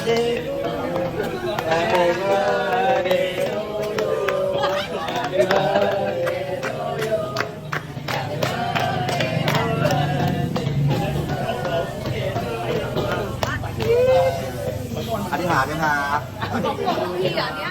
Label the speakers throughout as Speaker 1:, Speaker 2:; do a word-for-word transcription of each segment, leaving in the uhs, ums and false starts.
Speaker 1: อธิษฐานไหมครับพี่เหรอเนี่ย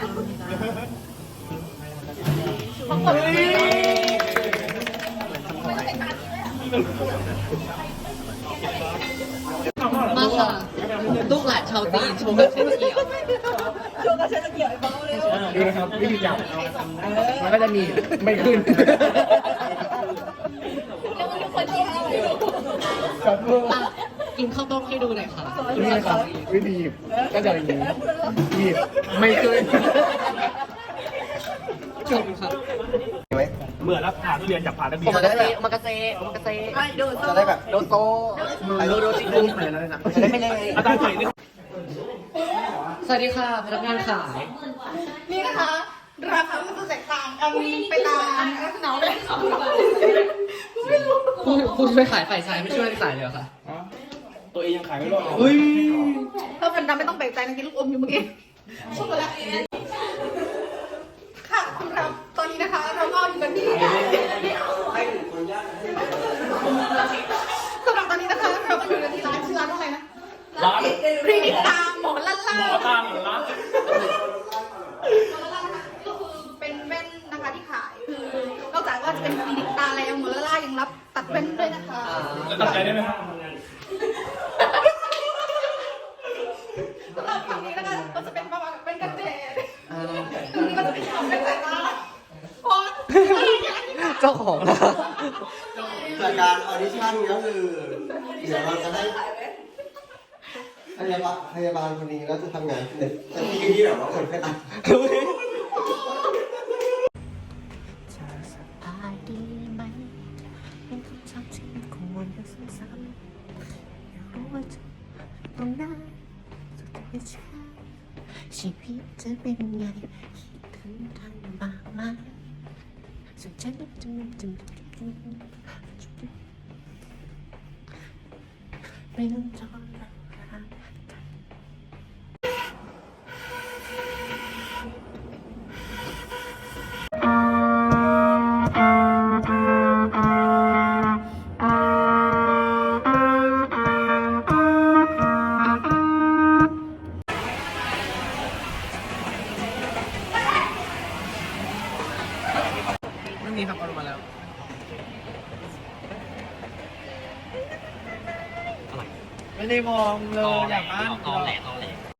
Speaker 2: มาค่ะลูกหลานชาวจีนโชว์กับเชนเกี่ยว
Speaker 1: โชว์กับเชนเกี่ยวไอ้เบ้าเลย
Speaker 3: ดูนะครับวิธีจับมันก็จะมีไม่ขึ้น
Speaker 1: แล้วมันทุกคนที่อะไร
Speaker 2: อ่ะกินข้าวต้มให้ดูหน่อยค่ะ
Speaker 3: นี่นะครับวิธีหยิบก็จะอย่างนี้หยิบไม่ขึ้น
Speaker 2: ชมค่ะ
Speaker 4: เหมือนรับผ่านทุเรียนจากผ่านนักเรี
Speaker 2: โอย
Speaker 4: น
Speaker 2: มากาเซโอมากาเซโอมากาเซ
Speaker 1: โดน
Speaker 3: จะได้แบบโดโต
Speaker 2: โดโดจิกุมจะได้ไม่เลย
Speaker 4: อาจารย์ใส่นี่
Speaker 2: สวัสดีค่ะพนักงานขาย
Speaker 1: นี่นะคะราคามันจะแตกต่างกันไปตามลักษณะเลย
Speaker 2: คุณคุณช่วยขายฝ่ายชายไม่ช่วยขายเลยเหรอคะ
Speaker 4: ตัวเองยังขายไม่รอด
Speaker 2: อุ้ย
Speaker 1: ถ้าเป็นดำไม่ต้องแปลกใจนะกินลูกอมอยู่เมื่อกี้ช็อกโกแลตค่ะคุณครับตอนนี้นะคะเราก็อยู่กันที่สำหรับตอนนี้นะคะเราก็อยู่กันที่ร้านชื่อร้านว่าอะไรนะ
Speaker 4: ร้าน
Speaker 1: รีนิตาหมอลั่นล่า
Speaker 4: หมอตามหรือร้าน
Speaker 1: ก็คือเป็นแว่นนะคะที่ขายคือนอกจากว่าจะเป็นรีนิตาแล้วหมอลั่นล่ายังรับตัดแว่นด้วยนะคะ
Speaker 4: จะตัดใจได้ไหมครับ
Speaker 1: สำหรับฝั่งนี้นะคะก็จะเป็นประมาณเป็นกันแดดตรงนี้ก็จะเป็นของเป็นสายตาโอ๊ย
Speaker 2: เจ้าของนะ
Speaker 3: จากการออดิชั่นก็คือเดี๋ยวเราจะได้พยาบาลพยาบาลคนนี้แล้วจะทำงานในที่ที่แบบว่าคนแค่ตัด
Speaker 5: สบายดีไหมเป็นคำถามที่ควรจะซ้ำๆอยากรู้ว่าจะตรงนั้นสุดท้ายฉันชีวิตจะเป็นไงคิดถึงกันบ้างไหมสุดท้ายจะจะจะไม่ต้องทนแล้วกัน
Speaker 2: ไม่มีครับเอาลงมาแล้วไม่ได้มองเลยอยากอ่าน
Speaker 6: ตอนแหลตอ